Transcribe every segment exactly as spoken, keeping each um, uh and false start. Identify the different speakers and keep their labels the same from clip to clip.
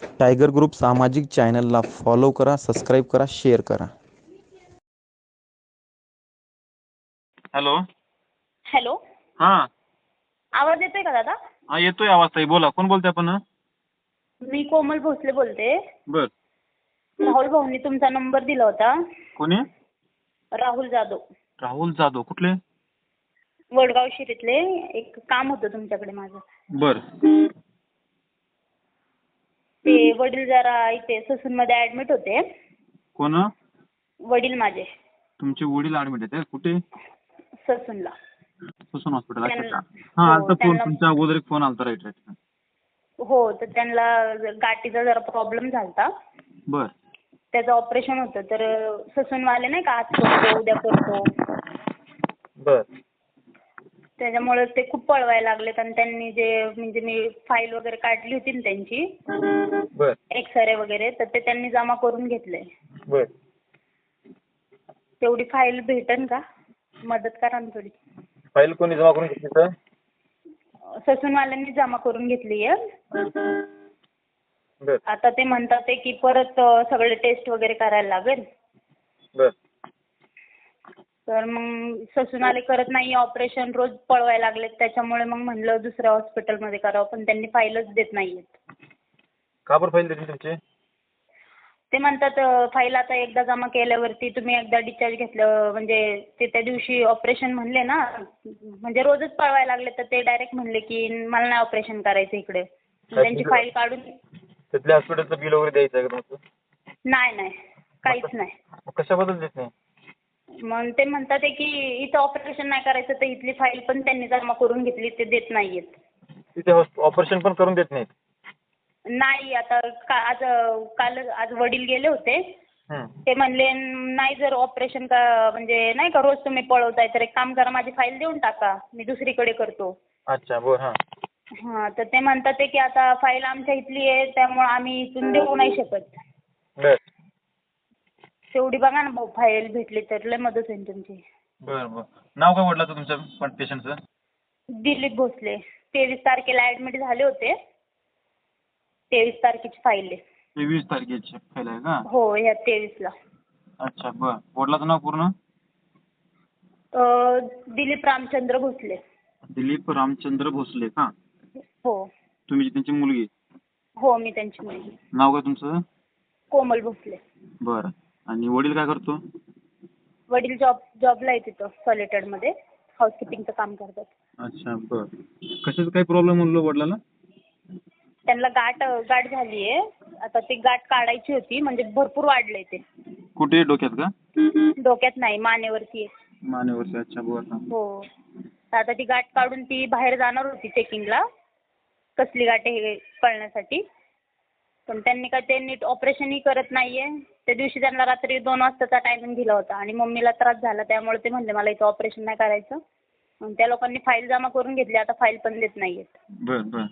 Speaker 1: Tiger group सामाजिक चॅनलला follow करा, सबस्क्राईब करा, शेअर करा.
Speaker 2: हॅलो.
Speaker 3: हॅलो.
Speaker 2: हा
Speaker 3: आवाज येतोय का दादा?
Speaker 2: हा येतोय आवाज ताई, बोला. कोण बोलते आपण?
Speaker 3: मी कोमल भोसले बोलते.
Speaker 2: बर.
Speaker 3: राहुल भाऊंनी तुमचा नंबर दिला होता.
Speaker 2: कोणी?
Speaker 3: राहुल जाधव.
Speaker 2: राहुल जाधव कुठले?
Speaker 3: वडगाव शिरीतले. एक काम होतं तुमच्याकडे माझं.
Speaker 2: बर.
Speaker 3: ते वडील जरा इथे ससून मध्ये ऍडमिट होते.
Speaker 2: कोण?
Speaker 3: वडील माझे.
Speaker 2: तुमचे वडील ऍडमिट आहेत कुठे?
Speaker 3: ससूनला.
Speaker 2: ससून हॉस्पिटल.
Speaker 3: त्यांना-
Speaker 2: हा
Speaker 3: हो,
Speaker 2: आलता फोन
Speaker 3: त्यांना-
Speaker 2: तुमच्या अगोदर एक फोन आलता. Right right.
Speaker 3: हो, तर त्यांना गाठीचा जरा प्रॉब्लेम झालता.
Speaker 2: बर.
Speaker 3: त्याचं ऑपरेशन होतं, तर ससूनवाले नाही का आज करतो उद्या करतो,
Speaker 2: बर.
Speaker 3: त्याच्यामुळे ते खूप पळवायला लागलेत. आणि त्यांनी जे म्हणजे मी फाईल वगैरे काढली होती ना त्यांची,
Speaker 2: बर.
Speaker 3: एक्सरे वगैरे, तर ते त्यांनी जमा करून घेतले.
Speaker 2: बर.
Speaker 3: तेवढी फाईल भेटेल का? मदत करा ना थोडी.
Speaker 2: फाईल कोणी जमा करून घेतली तर?
Speaker 3: ससूनवाल्यांनी जमा करून घेतली आहे.
Speaker 2: बर.
Speaker 3: आता ते म्हणतात आहे की परत सगळे टेस्ट वगैरे करायला लागेल.
Speaker 2: बर.
Speaker 3: तर मग ससूनवाले करत नाही ऑपरेशन, रोज पळवायला लागलेत. त्याच्यामुळे मग म्हणलं दुसऱ्या हॉस्पिटलमध्ये करावं, पण त्यांनी फाईलच देत नाहीयेत.
Speaker 2: का बरं फाईल देतील तुमची?
Speaker 3: ते म्हणतात फाईल आता एकदा जमा केल्यावरती तुम्ही एकदा डिस्चार्ज घेतलं म्हणजे ते त्या दिवशी ऑपरेशन म्हणले ना, म्हणजे रोजच पळवायला लागले, तर ते डायरेक्ट म्हणले की मला नाही ऑपरेशन करायचं इकडे. त्यांची फाईल काढून
Speaker 2: तिथल्या हॉस्पिटलचं बिल वगैरे द्यायचं आहे का तुमचं?
Speaker 3: नाही नाही काहीच नाही.
Speaker 2: कशाबद्दल देत नाही?
Speaker 3: मग ते म्हणतात की इथं ऑपरेशन नाही करायचं, तर इथली फाईल पण त्यांनी जमा करून घेतली, ते देत नाहीयेत.
Speaker 2: तिथे ऑपरेशन पण करून देत नाहीत?
Speaker 3: नाही. आता का आज काल आज वडील गेले होते, ते म्हणले नाही जर ऑपरेशन का म्हणजे नाही का रोज तुम्ही पळवताय, तर एक काम करा माझी फाईल देऊन टाका, मी दुसरीकडे करतो.
Speaker 2: अच्छा. बर. हा
Speaker 3: हां, तर ते म्हणतात की आता फाईल आमच्या इथली आहे, त्यामुळे आम्ही इथून देऊ नाही शकत.
Speaker 2: बर.
Speaker 3: तेवढी बघा ना भाऊ, फाईल भेटली तर लय मदत होईल तुमची.
Speaker 2: बर बर. नाव काय म्हटलं तुमच्या पण पेशंटचं?
Speaker 3: दिलीप भोसले. तेवीस तारखेला ऍडमिट झाले होते. तेवीस तारखेची फाईल आहे.
Speaker 2: तेवीस तारखेची फाईल आहे का?
Speaker 3: हो, ह्या तेवीसला.
Speaker 2: अच्छा. बर. वडिलाचं नाव पूर्ण?
Speaker 3: दिलीप रामचंद्र भोसले.
Speaker 2: दिलीप रामचंद्र भोसले का?
Speaker 3: हो.
Speaker 2: तुम्ही त्यांची मुलगी?
Speaker 3: हो, मी त्यांची मुलगी.
Speaker 2: नाव काय तुमचं?
Speaker 3: कोमल भोसले.
Speaker 2: बरं. आणि वडील काय करतो?
Speaker 3: वडील जॉब जॉबला आहे तिथं सॉलिटरमध्ये, हाऊसकीपिंगचं काम करतात.
Speaker 2: अच्छा. बरं. कशाचा काय प्रॉब्लेम म्हणलो वडिलांना?
Speaker 3: त्यांना गाठ गाठ झाली आहे. आता ती गाठ काढायची होती, म्हणजे भरपूर वाढलंय ते.
Speaker 2: कुठे? डोक्यात का?
Speaker 3: डोक्यात नाही, मानेवरती आहे.
Speaker 2: मानेवरती. अच्छा. बरं.
Speaker 3: हो. तर आता ती गाठ काढून ती बाहेर जाणार होती चेकिंगला, कसली गाठ आहे हे कळण्यासाठी. पण त्यांनी काय ते नीट ऑपरेशनही करत नाहीये. त्या दिवशी त्यांना रात्री दोन वाजताचा टायमिंग दिला होता आणि मम्मीला त्रास झाला, त्यामुळे ते म्हणले मला इथं ऑपरेशन नाही करायचं. मग त्या लोकांनी फाईल जमा करून घेतली, आता फाईल पण देत नाहीयेत.
Speaker 2: बरं बरं.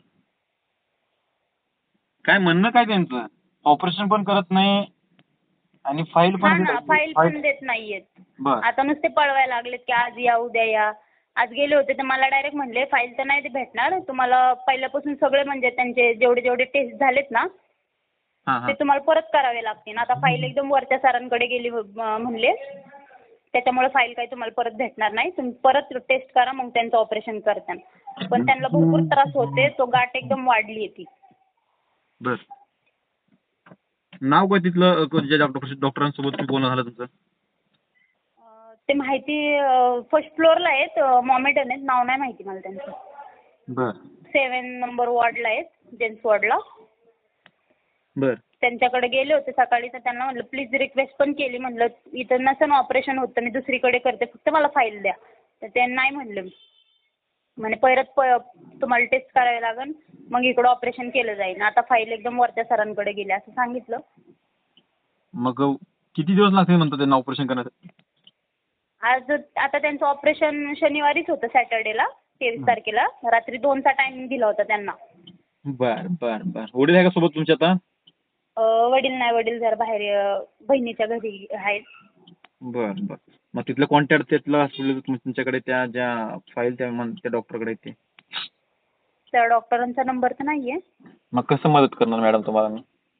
Speaker 2: काय म्हणणं काय त्यांचं? ऑपरेशन पण करत नाही आणि फाईल
Speaker 3: हा
Speaker 2: पण
Speaker 3: ना, फाईल पण देत नाहीयेत.
Speaker 2: बरं.
Speaker 3: आता नुसते पळवायला लागलेत की आज या उद्या या. आज गेले होते तर मला डायरेक्ट म्हणले फाईल तर नाही भेटणार तुम्हाला, पहिल्यापासून सगळे म्हणजे त्यांचे जेवढे जेवढे टेस्ट झालेत ना ते तुम्हाला परत करावे लागतील. आता फाईल एकदम वरच्या सरांकडे गेली म्हणले, त्याच्यामुळे फाईल काही तुम्हाला परत भेटणार नाही, तुम्ही परत टेस्ट करा मग त्यांचं ऑपरेशन करताना. पण त्यांना भरपूर त्रास होते, तो गाठ एकदम वाढली आहे ती.
Speaker 2: बर. नाव काय तिथलं ज्या डॉक्टर डॉक्टरांसोबत तुम्ही बोलणं झालं तुमचं?
Speaker 3: ते माहिती फर्स्ट फ्लोअरला आहेत, मॉमेडन आहेत, नाव नाही माहिती मला त्यांचं.
Speaker 2: बर.
Speaker 3: सेवन नंबर वॉर्डला आहेत, जेंट्स वॉर्डला.
Speaker 2: बर.
Speaker 3: त्यांच्याकडे गेले होते सकाळी, तर त्यांना म्हणलं प्लीज रिक्वेस्ट पण केली, म्हणलं इथं नसेल ऑपरेशन होत तर मी दुसरीकडे करते, फक्त मला फाईल द्या. तर ते नाही म्हणलं. म्हणे परत प तुम्हाला टेस्ट करावे लागेल, मग इकडं ऑपरेशन केलं जाईल. आता फाईल एकदम वरच्या सरांकडे गेली असं सांगितलं.
Speaker 2: मग किती दिवस लागतील म्हणतात त्यांना ऑपरेशन करण्यासाठी?
Speaker 3: आज आता त्यांचं ऑपरेशन शनिवारीच होतं, सॅटर्डेला तेवीस तारखेला रात्री दोनचा टायमिंग दिला होता त्यांना.
Speaker 2: बर बर बर. वडील आहे का सोबत तुमच्या आता?
Speaker 3: वडील नाही, वडील जरा बाहेर बहिणीच्या घरी आहेत.
Speaker 2: बर बर. मग तिथलं कॉन्टॅक्ट तिथलं हॉस्पिटल तुमच्याकडे त्या ज्या फाईल त्या त्या डॉक्टरकडे ते
Speaker 3: त्या डॉक्टरांचा नंबर तर नाहीये.
Speaker 2: मग कसं मदत करणार मॅडम तुम्हाला मी?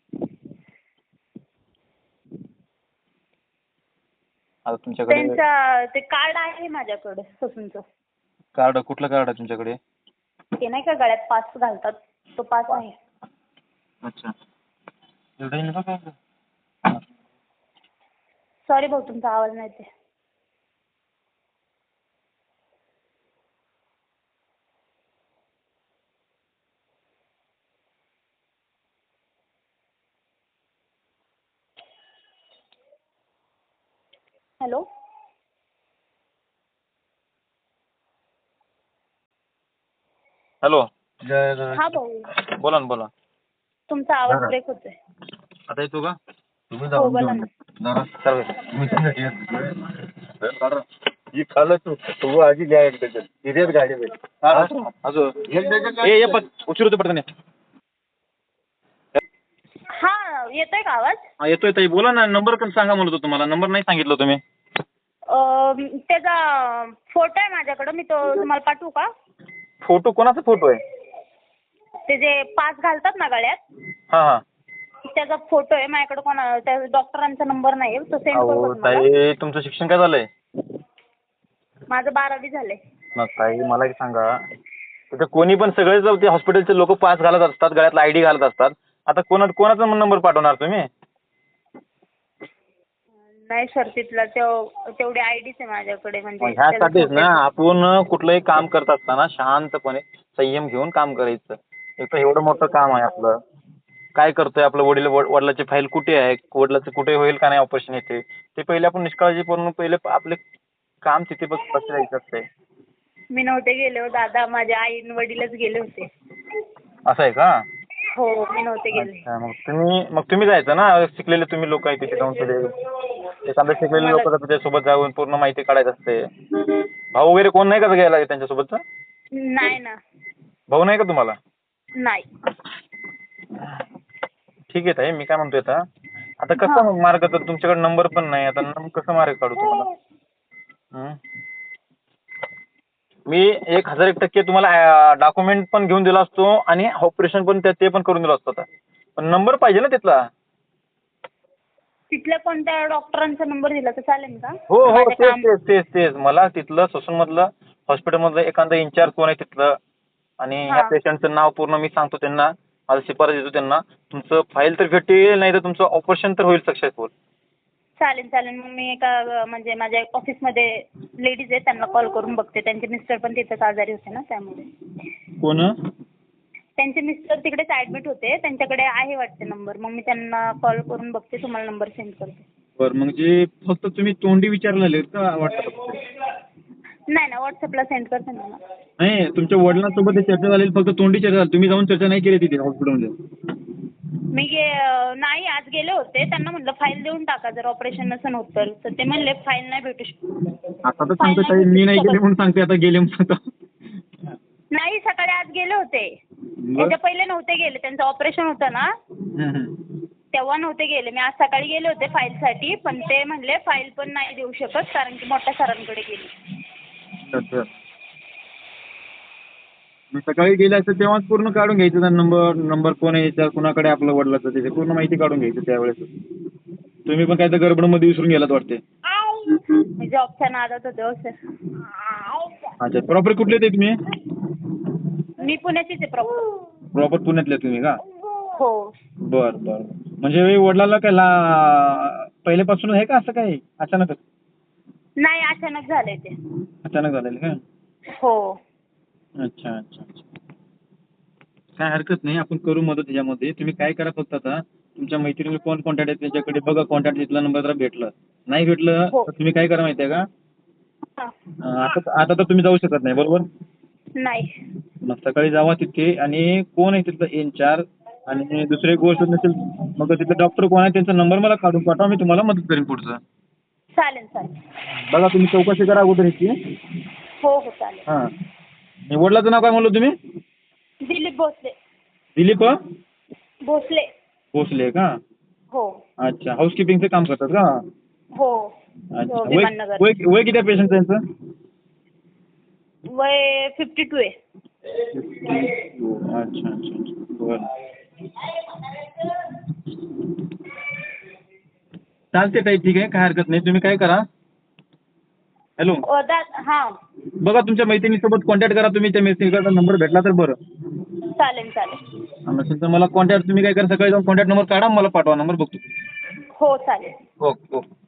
Speaker 2: आता तुमच्याकडे
Speaker 3: त्यांचा ते कार्ड आहे माझ्याकडे ससूनचं.
Speaker 2: कार्ड कुठलं कार्ड आहे तुमच्याकडे?
Speaker 3: ते नाही का गळ्यात पास घालतात तो पास आहे.
Speaker 2: अच्छा. एवढं येईल का काय?
Speaker 3: सॉरी भाऊ तुमचा आवाज नाही येते. हॅलो.
Speaker 2: हॅलो.
Speaker 3: हा भाऊ
Speaker 2: बोला ना बोला.
Speaker 3: तुमचा आवाज ब्रेक होतोय.
Speaker 2: आता येतो का?
Speaker 3: हो बोला ना.
Speaker 2: ही खाल्लं तू तू आधी घ्या एक डझन हिरेच गाडी अजून एक डझन ए पण उशीर होतो पडताना.
Speaker 3: हा येतोय का आवाज?
Speaker 2: हा येतोय ताई बोला ना. नंबर पण सांगा म्हणत होतो तुम्हाला. नंबर नाही सांगितलं तुम्ही.
Speaker 3: अं, त्याचा फोटो आहे माझ्याकडं मी तो तुम्हाला पाठवू का?
Speaker 2: फोटो कोणाचा फोटो आहे?
Speaker 3: ते जे पास घालतात ना गळ्यात
Speaker 2: हा हा.
Speaker 3: त्याचा फोटो आहे माझ्याकडे. कोणा त्या डॉक्टरांचा नंबर नाही तो सेंड
Speaker 2: अहो
Speaker 3: करू का तुम्हाला?
Speaker 2: ताई तुमचं शिक्षण काय झालंय?
Speaker 3: माझं बारावी झालंय.
Speaker 2: मग ताई मला एक सांगा. तिथे कोणी पण सगळेच ते हॉस्पिटलचे लोक पास घालत असतात गळ्यातला आयडी घालत असतात. आता कोणा कोणाचा नंबर पाठवणार तुम्ही?
Speaker 3: नाही सर तिथला तेव- तेवढी आयडीच आहे माझ्याकडे म्हणजे त्याचा
Speaker 2: ह्यासाठीच
Speaker 3: photo
Speaker 2: ना
Speaker 3: आहे.
Speaker 2: आपण कुठलंही काम करत असताना शांतपणे संयम घेऊन काम करायचं. एक तर एवढं मोठं काम आहे आपलं. काय करतोय आपलं वडील वडिलाची फाईल कुठे आहे, वडिलाचं कुठे होईल का नाही ऑपरेशन येते ते पहिले आपण निष्काळजीपूर्ण पहिले आपले काम तिथे बस बसवायचं असतंय.
Speaker 3: मी नव्हते गेले हो दादा. माझे आई वडीलच गेले होते.
Speaker 2: असं आहे का?
Speaker 3: हो मी नव्हते गेले.
Speaker 2: अच्छा, मग तुम्ही मग तुम्ही जायचं ना. शिकलेले तुम्ही लोक आहे तिथे जाऊन तिथे एखादं शिकलेले
Speaker 3: मला-
Speaker 2: लोक त्याच्यासोबत जाऊन पूर्ण माहिती काढायची असते. भाऊ वगैरे कोण नाही का गेला त्यांच्यासोबतचा?
Speaker 3: नाही ना.
Speaker 2: भाऊ नाही का तुम्हाला?
Speaker 3: नाही.
Speaker 2: ठीक आहे ताई मी काय म्हणतोय आता आता कसं मार्ग तर तुमच्याकडे नंबर पण नाही. आता नंबर कसं मार्ग काढू तुम्हाला? हं? मी एक हजार एक टक्के तुम्हाला डॉक्युमेंट पण घेऊन दिला असतो आणि ऑपरेशन पण ते पण करून दिलं असतं. पण नंबर पाहिजे ना तिथला.
Speaker 3: तिथल्या कोणत्या डॉक्टरांचा नंबर दिला तर चालेल का?
Speaker 2: हो हो
Speaker 3: माझं
Speaker 2: तेच
Speaker 3: काम-
Speaker 2: तेच तेच तेच मला तिथलं ससूनमधलं हॉस्पिटलमधलं एखादं इन्चार्ज कोण आहे तिथलं आणि ह्या
Speaker 3: हा.
Speaker 2: पेशंटचं नाव पूर्ण मी सांगतो त्यांना. माझा शिफारस देतो त्यांना. तुमचं फाईल तर भेटेल नाही तर तुमचं ऑपरेशन तर होईल सक्सेसफुल.
Speaker 3: चालेल चालेल मग मी एका म्हणजे माझ्या ऑफिसमध्ये लेडीज आहेत त्यांना कॉल करून बघते. त्यांचे मिस्टर पण तिथेच आजारी होते ना त्यामुळे.
Speaker 2: कोण?
Speaker 3: त्यांचे मिस्टर तिकडेच ॲडमिट होते. त्यांच्याकडे आहे वाटते नंबर. मग मी त्यांना कॉल करून बघते तुम्हाला नंबर सेंड करते.
Speaker 2: बरं म्हणजे फक्त तुम्ही तोंडी विचारलेले का वाटतं?
Speaker 3: नाही ना व्हॉट्सअपला सेंड करते ना.
Speaker 2: नाही तुमच्या वडिलांसोबत चर्चा झालेली फक्त तोंडी चर्चा झाली. तुम्ही जाऊन चर्चा नाही केली तिथे हॉस्पिटलमध्ये?
Speaker 3: मी गे नाही आज गेले होते. त्यांना म्हटलं फाईल देऊन टाका जर ऑपरेशन नसेल होत तर. तर ते म्हणले फाईल नाही भेटू शकत.
Speaker 2: आता तर सांगतो ताई मी नाही गेले म्हणून सांगते आता गेले म्हणून सांगतो.
Speaker 3: नाही सकाळी आज गेले होते. याच्या पहिले नव्हते गेले. त्यांचं ऑपरेशन होतं ना तेव्हा नव्हते गेले. मी आज सकाळी गेले होते फाईलसाठी पण ते म्हणले फाईल पण नाही देऊ शकत कारण की मोठ्या सरांकडे गेली.
Speaker 2: अच्छा. मी सकाळी गेले असते तेव्हाच पूर्ण काढून घ्यायचं नंबर नंबर कोण आहे याच्यावर कुणाकडे आपलं वडिलाचं त्याची पूर्ण माहिती काढून घ्यायची त्यावेळेस. तुम्ही पण काय तर गडबडमध्ये विसरून गेलात वाटते.
Speaker 3: मी जॉबच्या नादात होते हो सर.
Speaker 2: अच्छा प्रॉपर कुठले ते तुम्ही?
Speaker 3: मी पुण्याचीच आहे प्रॉपर.
Speaker 2: प्रॉपर पुण्यातले तुम्ही का?
Speaker 3: हो.
Speaker 2: बर बर म्हणजे वडिलाला काय ला पहिल्यापासून आहे का असं काही अचानकच?
Speaker 3: नाही अचानक झालंय ते.
Speaker 2: अचानक झालेलं का?
Speaker 3: हो.
Speaker 2: अच्छा अच्छा अच्छा. काय हरकत नाही आपण करू मदत त्याच्यामध्ये. तुम्ही काय करा फक्त आता तुमच्या मैत्रिणीला कोण कॉन्टॅक्ट आहे त्याच्याकडे बघा. कॉन्टॅक्ट तिथला नंबर जरा भेटलं नाही भेटलं तर तुम्ही काय करा माहिती आहे का? आता आता तर तुम्ही जाऊ शकत नाही बरोबर?
Speaker 3: नाही.
Speaker 2: मग सकाळी जावा तिथे आणि कोण आहे तिथलं इन्चार्ज आणि दुसरी गोष्ट नसेल मग तिथलं डॉक्टर कोण आहे त्यांचा नंबर मला काढून पाठवा. मी तुम्हाला मदत करेन पुढचं.
Speaker 3: चालेल चालेल.
Speaker 2: बघा तुम्ही चौकशी करा अगोदर ह्याची.
Speaker 3: हो हो चालेल.
Speaker 2: हां वडिलाचं नाव काय म्हणलं तुम्ही?
Speaker 3: दिलीप भोसले.
Speaker 2: दिलीप
Speaker 3: भोसले.
Speaker 2: भोसले का?
Speaker 3: हो.
Speaker 2: अच्छा हाऊसकीपिंगचं काम करतात का?
Speaker 3: हो.
Speaker 2: अच्छा वय
Speaker 3: विमाननगर.
Speaker 2: वय वय किती आहे पेशंट त्यांचं?
Speaker 3: वय फिफ्टी टू आहे.
Speaker 2: अच्छा अच्छा अच्छा बरं चालते ताई ठीक आहे काय हरकत नाही. तुम्ही काय करा हॅलो
Speaker 3: अ, दा हां
Speaker 2: बघा तुमच्या मैत्रिणीसोबत कॉन्टॅक्ट करा तुम्ही, त्या मैत्रिणीचा नंबर भेटला तर बरं.
Speaker 3: चालेल चालेल.
Speaker 2: नसेल तर मला कॉन्टॅक्ट तुम्ही काय करा, सकाळी जाऊन कॉन्टॅक्ट नंबर काढा, मला पाठवा, नंबर बघतो.
Speaker 3: हो चालेल.
Speaker 2: Okay okay.